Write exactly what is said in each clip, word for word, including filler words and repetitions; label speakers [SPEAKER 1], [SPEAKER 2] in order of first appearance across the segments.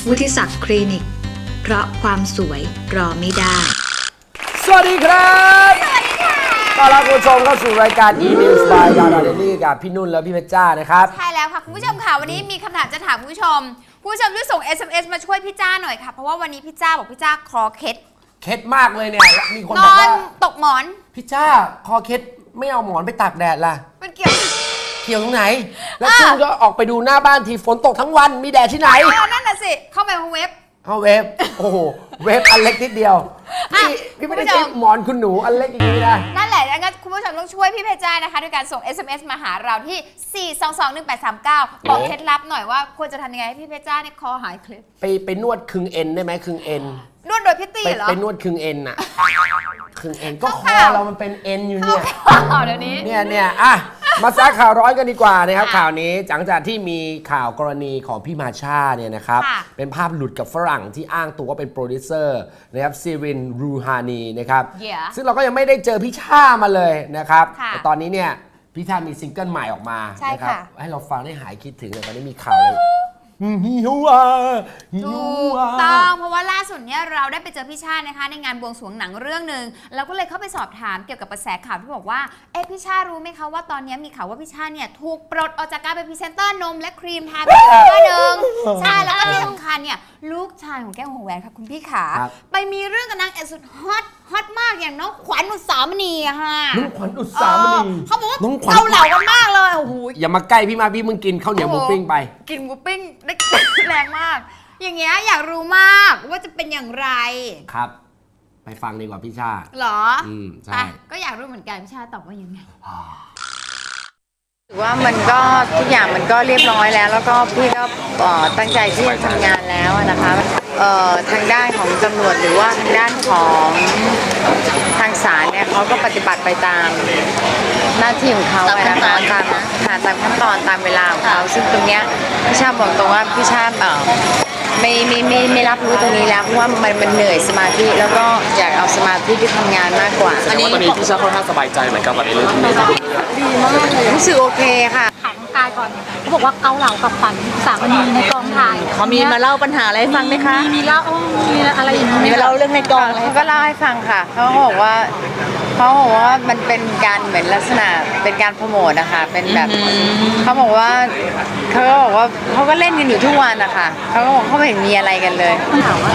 [SPEAKER 1] วุฒิศักดิ์คลินิกเพราะความสวยรอไม่ได้
[SPEAKER 2] สวัสดีครับสวัสดีค่ะต้อนรับคุณผู้ชมเข้าสู่รายการ E-News by ดาราเดลี่กับพี่นุ่นและพี่เพชรจ้านะครับ
[SPEAKER 3] ใช่แล้วค่ะคุณผู้ชมค่ะวันนี้มีคำถามจะถามคุณผู้ชมคุณผู้ชมช่วยส่ง เอส เอ็ม เอส มาช่วยพี่จ้าหน่อยค่ะเพราะว่าวันนี้พี่จ้าบอกพี่จ้าคอเคล็ด
[SPEAKER 2] เคล็ดมากเลยเนี่ยมีคน
[SPEAKER 3] น
[SPEAKER 2] บอก
[SPEAKER 3] อน
[SPEAKER 2] ว่า
[SPEAKER 3] ตกหมอน
[SPEAKER 2] พี่จ้าคอเคล็ดไม่เอาหมอนไปตากแดดล่ะ
[SPEAKER 3] มันเกี่ยว
[SPEAKER 2] เกี่ยวตรงไหนแล้วคุณก็ออกไปดูหน้าบ้านทีฝนตกทั้งวันมีแดดที่ไหน
[SPEAKER 3] เออนั่นน่ะสิเข้าไปเว็บ
[SPEAKER 2] เข้าเว็บโอ้โหเว็บอันเล็กนิดเดียวพี่พี่ไม่ได้ใช้หมอนคุณหนูอันเล็กอย่างนี้นะ
[SPEAKER 3] นั่นแหละงั้นคุณผู้ชมต้องช่วยพี่เพชรจ้านะคะด้วยการส่ง เอส เอ็ม เอส มาหาเราที่สี่ สอง สอง หนึ่ง แปด สาม เก้าบอกเคล็ดลับหน่อยว่าควรจะทำยังไงให้พี่เพชรจ้าเนี่ยคอหายเคล็ด
[SPEAKER 2] ไปไปนวดคึงเอ็นได้ไหมคึงเอ็น
[SPEAKER 3] นวดโดยพี่ตี้เหรอ
[SPEAKER 2] ไปนวดคึงเอ็นอะคึงเอ็นก็คอเรามันเป็นเอ็นอยู่เนี่ย
[SPEAKER 3] เดี๋ยวนี้
[SPEAKER 2] เนี่ยเนี่ยอ่ะมาซักข่าวร้อนกันดีกว่านะครับข่าวนี้หลังจากที่มีข่าวกรณีของพี่มาชาเนี่ยนะครับเป็นภาพหลุดกับฝรั่งที่อ้างตัวว่าเป็นโปรดิวเซอร์นะครับซีรินรูฮานีนะครับซึ่งเราก็ยังไม่ได้เจอพี่ชามาเลยนะครับแต่ตอนนี้เนี่ยพี่ชามีซิงเกิลใหม่ออกมานะครับให้เราฟังได้หายคิดถึงเลยตอนนี้มีข่าวเลยฮิวา
[SPEAKER 3] ถูกต้องเพราะว่าล่าสุดเนี่ยเราได้ไปเจอพี่ชาตินะคะในงานบวงสรวงหนังเรื่องหนึ่งเราก็เลยเข้าไปสอบถามเกี่ยวกับกระแสข่าวที่บอกว่าเอ๊ะพี่ชาติรู้ไหมคะว่าตอนนี้มีข่าวว่าพี่ชาติเนี่ยถูกปลดออกจากการเป็นพรีเซนเตอร์นมและครีมทาผิวตัวหนึ่งใช่แล้วก็ที่สำคัญเนี่ยลูกชายของแก้วหัวแหวนค่ะคุณพี่ขาไปมีเรื่องกับนางเอกสุดฮอตฮอตมากอย่างน้องขวัญอุตสามณีอะค่ะ
[SPEAKER 2] น้องขวัญอุตสามณี
[SPEAKER 3] เขาบอกว่าเกาเหลากันมากเลยโอ้โห
[SPEAKER 2] อย่ามาใกล้พี่มาพี่มึงกินข้าวเหนียวหมูปิ้งไป
[SPEAKER 3] กินหมูปิ้งได้แรงมากอย่างเงี้ยอยากรู้มากว่าจะเป็นอย่างไร
[SPEAKER 2] ครับไปฟังดีกว่าพี่ชา
[SPEAKER 3] หรอ
[SPEAKER 2] อืมใช่
[SPEAKER 3] ก็อยากรู้เหมือนกันพี่ชาตอบว่ายังไง
[SPEAKER 4] ถือว่ามันก็ทุกอย่างมันก็เรียบร้อยแล้วแล้วก็พี่ก็ตั้งใจที่จะทำงานแล้วนะคะทางด้านของตำรวจหรือว่าทางด้านของทางศาลเนี่ยเขาก็ปฏิบัติไปตามหน้าที่ของเขานะคะตามค่ะตามขั้นตอนตามเวลาของเขาซึ่งตรงเนี้ยพี่ชาบอกตรงว่าพี่ชาไม่ไม่ไม่ไม่รับรู้ตรงนี้แล้วเพราะว่ามันมันเหนื่อยสมาธิแล้วก็อยากเอาสมาธิที่ทำงานมากกว่า
[SPEAKER 5] อันนี้ตอนนี้พี่ชาค่อนข้างสบายใจเหมือนกับในเรื่องนี้
[SPEAKER 4] ดีมากเลยรู้สึกโอเคค่ะ
[SPEAKER 6] ถามกายก่อนเขาบอกว่าเกาเหลากับขวัญสามณีในกองถ่าย
[SPEAKER 4] เขามีมาเล่าปัญหาอะไรให้ฟังไหมคะ
[SPEAKER 6] มีเล่ามีอะไรอย่างนี้
[SPEAKER 4] มีมาเล่าเรื่องในกองเขาก็เล่าให้ฟังค่ะเขาบอกว่าเขาบอกว่ามันเป็นการเหมือนลักษณะเป็นการโปรโมทนะคะเป็นแบบเขาบอกว่าเขาก็บอกว่าเขาก็เล่นกันอยู่ทุกวันนะคะเขาก็บอกเขาไม่เห็นมีอะไรกันเลยถามว่า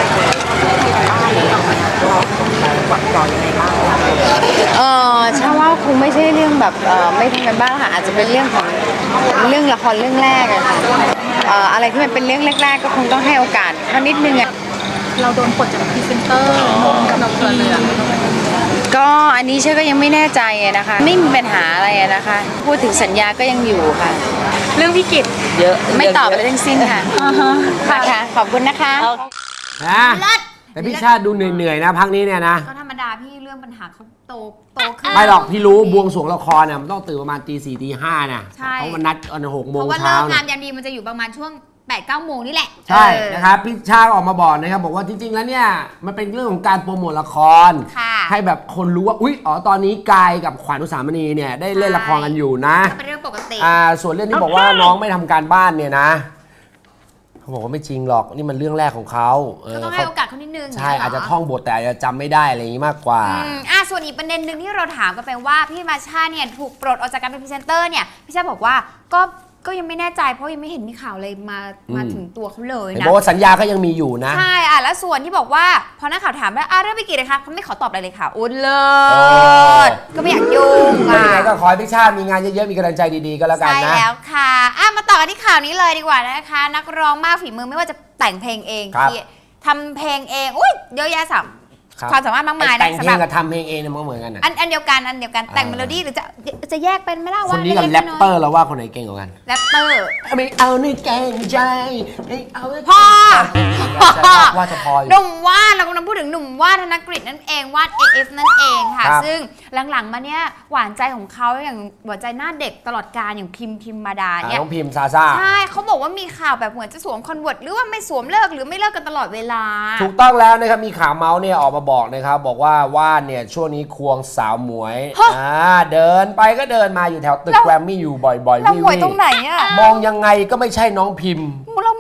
[SPEAKER 4] เออใช่ว่าคงไม่ใช่เรื่องแบบเออไม่ทำกันบ้างค่ะอาจจะเป็นเรื่องของเรื่องละครเรื่องแรกอะค่ะเอ่ออะไรที่มันเป็นเรื่องแรกๆก็คงต้องให้โอกาสเขานิดนึงอะ
[SPEAKER 6] เราโดนปลดจากพรีเซนเตอร์กับน้องเฟิร์นเลย
[SPEAKER 4] ก็อันนี้เชื่อก็ยังไม่แน่ใจนะคะไม่มีปัญหาอะไรนะคะพูดถึงสัญญาก็ยังอยู่ค่ะ
[SPEAKER 6] เรื่องวิกฤต
[SPEAKER 4] เยอะไม่ตอบอะไรทั้งสิ้นค่ะค่ะขอบคุณนะคะ
[SPEAKER 2] นะแต่พี่ชาติดูเหนื่อยๆนะพักนี้เนี่ยนะ
[SPEAKER 3] ก็ธรรมดาพี่เรื่องปัญหาเขาโตโตขึ้น
[SPEAKER 2] ไม่หรอกพี่รู้บวงสรวงละครเนี่ยมันต้องตื่นประมาณตีสี่ตีห้านะเพราะมันนัดตอนหกโมงเช้า
[SPEAKER 3] เพราะว่าเลิกงานยันดีมันจะอยู่ประมาณช่วงแปดเก้าโมงนี่แหละ
[SPEAKER 2] ใช่นะครับพี่ชาออกมาบอกนะครับบอกว่าจริงๆแล้วเนี่ยมันเป็นเรื่องของการโปรโมทละครให้แบบคนรู้ว่าอุ๊ยอ๋อตอนนี้กายกับขวัญอุสามณีเนี่ยได้เล่นละครกันอยู่นะ
[SPEAKER 3] เป็นเรื่องปกติ
[SPEAKER 2] อ่าส่วนเรื่องที่บอกว่าน้องไม่ทำการบ้านเนี่ยนะเขาบอกว่าไม่จริงหรอกนี่มันเรื่องแรกของเขา
[SPEAKER 3] ก็ต้องให้โอกาสเขานิดนึง
[SPEAKER 2] ใช่อาจจะท่องบทแต่อาจจะจำไม่ได้อะไรอย่างนี้มากกว่า
[SPEAKER 3] อ่าส่วนอีกประเด็นหนึ่งที่เราถามกันไปว่าพี่มาชาเนี่ยถูกปลดออกจากการเป็นพรีเซนเตอร์เนี่ยพี่ชาบอกว่าก็ก็ยังไม่แน่ใจเพราะยังไม่เห็นมีข่าวเลยมามาถึงตัวเขาเลยนะ
[SPEAKER 2] บอกว่าสัญญาก็ยังมีอยู่นะ
[SPEAKER 3] ใช่อ่ะแล้วส่วนที่บอกว่าพอนักข่าวถามว่าอ่ะเรื่องไปกี่เลยคะเขาไม่ขอตอบอะไรเลยค่ะอุ้นเลยก็ไม่อยากยุ่ง
[SPEAKER 2] อ่ะยังไงก็ขอให้พี่ชาติมีงานเยอะๆมีกำลังใจดีๆก็แล้วกันนะ
[SPEAKER 3] ใช่แล้วค่ะอ่ะมาต่อกันที่ข่าวนี้เลยดีกว่านะคะนักร้องมากฝีมือไม่ว่าจะแต่งเพลงเองทำเพลงเองอุ้ยเยอะแยะสัมความสามารถมากมายนะ
[SPEAKER 2] แต่งเพลงกับทำเพลงเองเนี่ยมันเหมือนกันนะ
[SPEAKER 3] อันอันเดียวกันอันเดียวกันแต่งเมโลดี้หรือจะจะแยกเป็นไม่ได้ว่า
[SPEAKER 2] คนนี้กับแรปเปอร์เราว่าคนไหนเก่งกว่ากัน
[SPEAKER 3] แรปเปอร์
[SPEAKER 2] ไม่เอาในแกงใจไม่เอา
[SPEAKER 3] พ่อ
[SPEAKER 2] ว่าจะพออยู่
[SPEAKER 3] หนุ่มว่านเรากำลังพูดถึงหนุ่มว่านธนกฤษนั่นเองว่าน เอ เอฟ นั่นเองค่ะซึ่งหลังๆมาเนี้ยหวานใจของเขาอย่างหวานใจหน้าเด็กตลอดกาลอย่างพิมพิมมาดาเนี่ย
[SPEAKER 2] น้องพิมซาซ่า
[SPEAKER 3] ใช่เขาบอกว่ามีข่าวแบบเหมือนจะสวมคอนเวิร์ตหรือว่าไม่สวมเลิกหรือไม่เลิกกันตลอดเวลา
[SPEAKER 2] ถูกต้องแล้วนะครับมีข่าวเมาส์เนี่ยออกมาบอกนะครับบอกว่าว่านเนี่ยช่วงนี้ควงสาวหมวยอ่าเดินไปก็เดินมาอยู่แถวตึกแกรมมี่อยู่บ่อยๆ
[SPEAKER 3] เราหมวยตรงไหนอะ
[SPEAKER 2] มองยังไงก็ไม่ใช่น้องพิมพ์
[SPEAKER 3] เราหมวย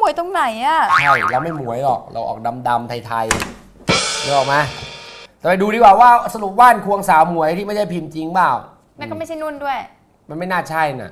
[SPEAKER 3] วยตรงไหนอะ
[SPEAKER 2] ใช่เราไม่หมวยหรอกเราออกดำๆไทยๆนึกออกไหมแต่ไปดูดีกว่าว่าสรุปว่านควงสาวหมวยที่ไม่ใช่พิมพ์จริงเปล่า
[SPEAKER 3] แม่ก็ไม่ใช่นุ่นด้วย
[SPEAKER 2] มันไม่น่าใช่น่ะ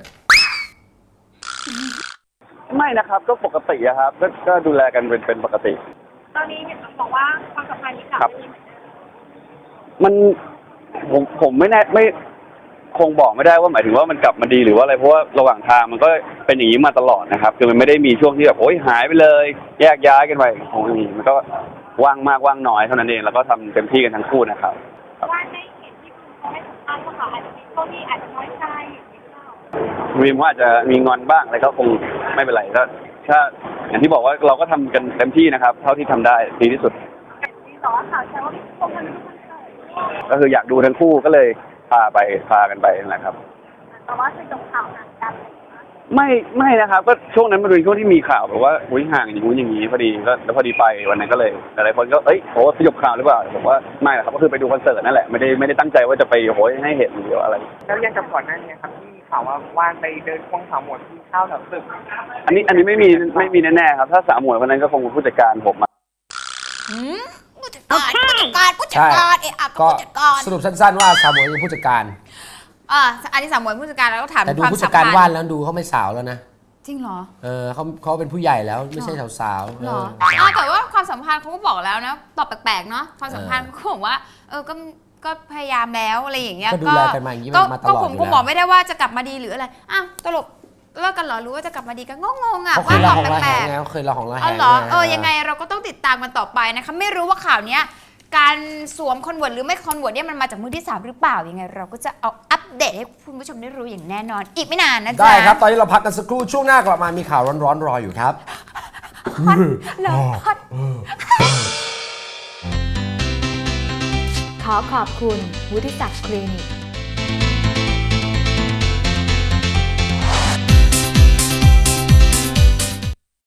[SPEAKER 7] ไม่นะครับก็ปกติอะครับก็ก็ดูแลกันเป็นเป็นปกติ
[SPEAKER 6] ตอนนี้เห็นบอกว่าความสัมพันธ์นี้กลับ
[SPEAKER 7] ครับ
[SPEAKER 6] มาดีเหมือนเดิม
[SPEAKER 7] มันผมผมไม่แน่ไม่คงบอกไม่ได้ว่าหมายถึงว่ามันกลับมาดีหรือว่าอะไรเพราะว่าระหว่างทางมันก็เป็นอย่างนี้มาตลอดนะครับคือมันไม่ได้มีช่วงที่แบบโอ้ยหายไปเลย แยกย้ายกันไปคงไม่มีมันก็ว่างมากว่างน้อยเท่านั้นเองแล้วก็ทำเต็มที่กันทั้งคู่นะครับ
[SPEAKER 6] ว่าได้เห็นที่คุณเขาให้สัมภาษณ์ว่าเขาอาจจะมีช่วงที่อาจจะน้อยใจอย่างนี้หรือเปล่า
[SPEAKER 7] วีมว่าอาจจะมีงอนบ้างอะไรก็คงไม่เป็นไรก็ถ้าอย่างที่บอกว่าเราก็ทำกันเต็มที่นะครับ เท่าที่ทำได้ดีที่สุด
[SPEAKER 6] มีต่อว่าข่าวแชร์ว่าพี่พงษ์มันไม่คอนเสิร์ต
[SPEAKER 7] ก็คืออยากดูทั้งคู่ก็เลยพาไปพากันไปนั่นแหละครับ
[SPEAKER 6] แต่ว่าคือจบข่าวห่างกัน
[SPEAKER 7] ไม่ไม่นะครับก็ช่วงนั้นมันเป็นช่วงที่มีข่าวแบบว่าอุ้ยห่างอย่างงู้นอย่างนี้พอดีก็แล้วพอดีไปวันนั้นก็เลยหลายๆคนก็เอ้ยโอ้สยบข่าวหรือเปล่าผมว่าไม่หรอกครับก็คือไปดูคอนเสิร์ตนั่นแหละไม่ได้ไม่ได้ตั้งใจว่าจะไปโหยให้เห็นหรืออะไร
[SPEAKER 8] แล้วยังกับก่อนหน้านี้ครับที่มีข่าวว่าว่านไปเดินควงสาวหมวยที่ข้าวแถวตึก
[SPEAKER 7] อันนี้อันนี้ไม่มีไม่มีแน่ๆครับถ้าสาวหมวยคนนั้นก็คงเป็นผู้จัดการผมอะ
[SPEAKER 3] หืมผู้จัดการผู้จัดการผู้จัดการเอะอะก็
[SPEAKER 2] ก็
[SPEAKER 3] ผู้จัดการ
[SPEAKER 2] สรุปสั้นๆว่าสาวหมวยคือผู้จัดการ
[SPEAKER 3] อ่าอันนี้สามมวยผู้จัดการแล้วก็ถาม
[SPEAKER 2] แต่ดู
[SPEAKER 3] ความ
[SPEAKER 2] ผู้
[SPEAKER 3] สั
[SPEAKER 2] จั
[SPEAKER 3] ม
[SPEAKER 2] ดการ
[SPEAKER 3] พัน
[SPEAKER 2] ว่าน
[SPEAKER 3] ธ์
[SPEAKER 2] แล้วดูเขาไม่สาวแล้วนะ
[SPEAKER 3] จริงเหรอ
[SPEAKER 2] เออเขาเขาเป็นผู้ใหญ่แล้วไม่ใช่สาวๆ
[SPEAKER 3] เหรอ
[SPEAKER 2] เออ
[SPEAKER 3] อ่าแต่ว่าความสัมพันธ์เขาก็บอกแล้วนะตอบแปลกๆเนาะความสัมพันธ์
[SPEAKER 2] เออ
[SPEAKER 3] เขาบอกว่าเออก็ก็พยายามแล้วอะไรอย่างเงี้ย
[SPEAKER 2] ก็ดูแลกันมาอย่างนี้มาตลอด
[SPEAKER 3] ก็ผม
[SPEAKER 2] อยู่
[SPEAKER 3] ก็
[SPEAKER 2] แล้ว
[SPEAKER 3] บอกไม่ได้ว่าจะกลับมาดีหรืออะไรอ้าวตลกเลิกกันเหรอหรือว่าจะกลับมาดีกันงงๆอ่ะ
[SPEAKER 2] เขาเค
[SPEAKER 3] ว่าย ต
[SPEAKER 2] ละ
[SPEAKER 3] อบ
[SPEAKER 2] ของละ
[SPEAKER 3] แป
[SPEAKER 2] แห
[SPEAKER 3] ล
[SPEAKER 2] ง
[SPEAKER 3] ก
[SPEAKER 2] ไงเขาเคยละของละ
[SPEAKER 3] ๆ
[SPEAKER 2] แห
[SPEAKER 3] เอา
[SPEAKER 2] ง
[SPEAKER 3] เหรอ
[SPEAKER 2] ไ
[SPEAKER 3] เออยังไงเราก็ต้องติดตามกันต่อไปนะคะไม่รู้ว่าข่าวเนี้ยการสวมคอนเวิร์ตหรือไม่คอนเวิร์ตเนี่ยมันมาจากมือที่สามหรือเปล่ายังไง เราก็จะเอาอัปเดตให้คุณผู้ชมได้รู้อย่างแน่นอน อีกไม่นานนะจ๊ะ
[SPEAKER 2] ได้ครับ ตอนนี้เราพักกันสักครู่ช่วงหน้ากลับมามีข่าวร้อนๆรออยู่ครับ
[SPEAKER 3] เราฮอต
[SPEAKER 1] ขอขอบคุณวุฒิศักดิ์คลินิก